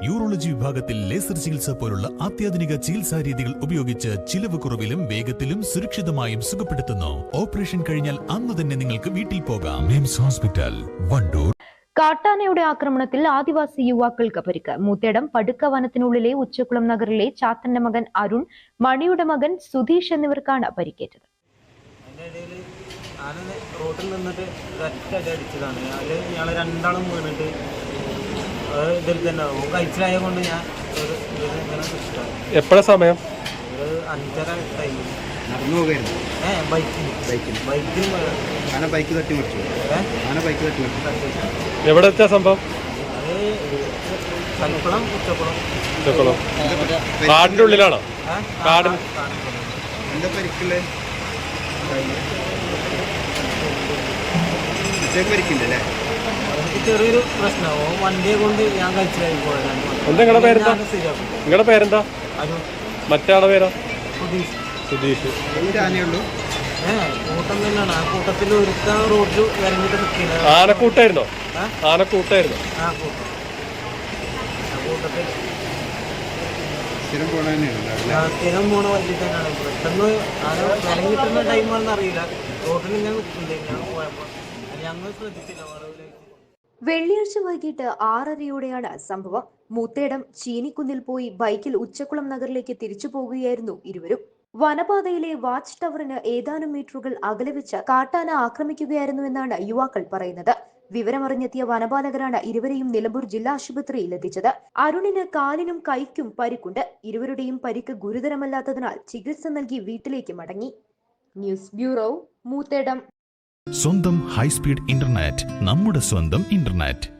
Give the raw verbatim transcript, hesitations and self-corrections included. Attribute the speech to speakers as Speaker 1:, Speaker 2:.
Speaker 1: Urology വിഭാഗത്തിൽ laser ചികിത്സ പോലുള്ള അത്യാധുനിക ചികിത്സാ രീതികൾ ഉപയോഗിച്ച് ചിലവ് കുറവിലും വേഗത്തിലും സുരക്ഷിതമായും സുഖപ്പെടുത്തുന്നു. ഓപ്പറേഷൻ കഴിഞ്ഞാൽ അന്ന് തന്നെ നിങ്ങൾക്ക് വീട്ടിൽ പോകാം. മിംസ് ഹോസ്പിറ്റൽ, വണ്ടൂർ.
Speaker 2: കാട്ടാനയുടെ ആക്രമണത്തിൽ ആദിവാസി യുവാക്കൾക്ക് പരിക്ക്. മൂത്തേടം പടുക്ക വനത്തിനുള്ളിലെ ഉച്ചക്കുളം നഗറിലെ ചാത്തന്റെ മകൻ അരുൺ, മണിയുടെ മകൻ സുധീഷ് എന്നിവർക്കാണ് പരിക്കേറ്റത്.
Speaker 3: റോഡിൽ നിന്നിട്ട് ഒറ്റ അടിച്ചതാണ്. അതിൽ ഞങ്ങൾ രണ്ടാളും വീണിട്ട് ഇതിൽ തന്നെ കഴിച്ചിലായ കൊണ്ട് ഞാൻ
Speaker 4: എപ്പോഴാ സമയം?
Speaker 3: ഒരു അഞ്ചര ടൈം
Speaker 5: നടന്നു പോകായിരുന്നു.
Speaker 3: ഏഹ് ബൈക്കിന് ബൈക്കിന് ബൈക്കിന്
Speaker 5: ബൈക്ക് തട്ടി മറിച്ചു. ബൈക്ക് തട്ടി മറിച്ചു.
Speaker 4: എവിടെ വെച്ചാ സംഭവം?
Speaker 3: അത് കൽക്കുളം ഉച്ചക്കുളം.
Speaker 4: ഉച്ചക്കുളം കാടിന്റെ ഉള്ളിലാണോ? കാടിന്
Speaker 5: എന്താ പരിക്കില്ലേ? പരിക്കില്ലല്ലേ?
Speaker 3: ചെറിയൊരു പ്രശ്നമോ വണ്ടിയെ കൊണ്ട് ഞാൻ കഴിച്ചിലായി പോയതാണ്.
Speaker 4: എന്താ നിങ്ങളുടെ പേരെന്താ? നിങ്ങളുടെ പേരെന്താ? മറ്റേ ആളെ പേരോ?
Speaker 3: സുധീഷ്.
Speaker 4: സുധീഷ്.
Speaker 5: ആനയുള്ളൂ.
Speaker 3: ഏഹ് കൂട്ടം തന്നെയാണ്. ആ കൂട്ടത്തിൽ ഒരുക്കാൻ റോഡിൽ ഇറങ്ങിയിട്ട് നിൽക്കുന്നത്.
Speaker 4: ആനക്കൂട്ടായിരുന്നോ? ആനക്കൂട്ടായിരുന്നു.
Speaker 3: ആ കൂട്ടം ആ കൂട്ടത്തിൽ
Speaker 5: സ്ഥിരം പോണ
Speaker 3: സ്ഥിരം പോണ വണ്ടി തന്നെയാണ്. പെട്ടെന്ന് ആന ഇറങ്ങിയിട്ടുള്ള ടൈമാണെന്ന് അറിയില്ല. റോഡിൽ ഇങ്ങനെ നിൽക്കില്ലേ, ഞാൻ പോയപ്പോൾ ഞങ്ങൾ ശ്രദ്ധിച്ചില്ല.
Speaker 2: വെള്ളിയാഴ്ച വൈകിട്ട് ആറരയോടെയാണ് സംഭവം. മൂത്തേടം ചീനിക്കുന്നിൽ പോയി ബൈക്കിൽ ഉച്ചക്കുളം നഗറിലേക്ക് തിരിച്ചു പോകുകയായിരുന്നു ഇരുവരും. വനപാതയിലെ വാച്ച് ടവറിന് ഏതാനും മീറ്ററുകൾ അകലെ വെച്ച് കാട്ടാന ആക്രമിക്കുകയായിരുന്നുവെന്നാണ് യുവാക്കൾ പറയുന്നത്. വിവരമറിഞ്ഞെത്തിയ വനപാലകരാണ് ഇരുവരെയും നിലമ്പൂർ ജില്ലാ ആശുപത്രിയിൽ എത്തിച്ചത്. അരുണിന് കാലിനും കൈക്കും പരിക്കുണ്ട്. ഇരുവരുടെയും പരിക്ക് ഗുരുതരമല്ലാത്തതിനാൽ ചികിത്സ നൽകി വീട്ടിലേക്ക് മടങ്ങി. News bureau, Moothedam.
Speaker 1: സ്വന്തം ഹൈസ്പീഡ് ഇന്റർനെറ്റ്, നമ്മുടെ സ്വന്തം ഇന്റർനെറ്റ്.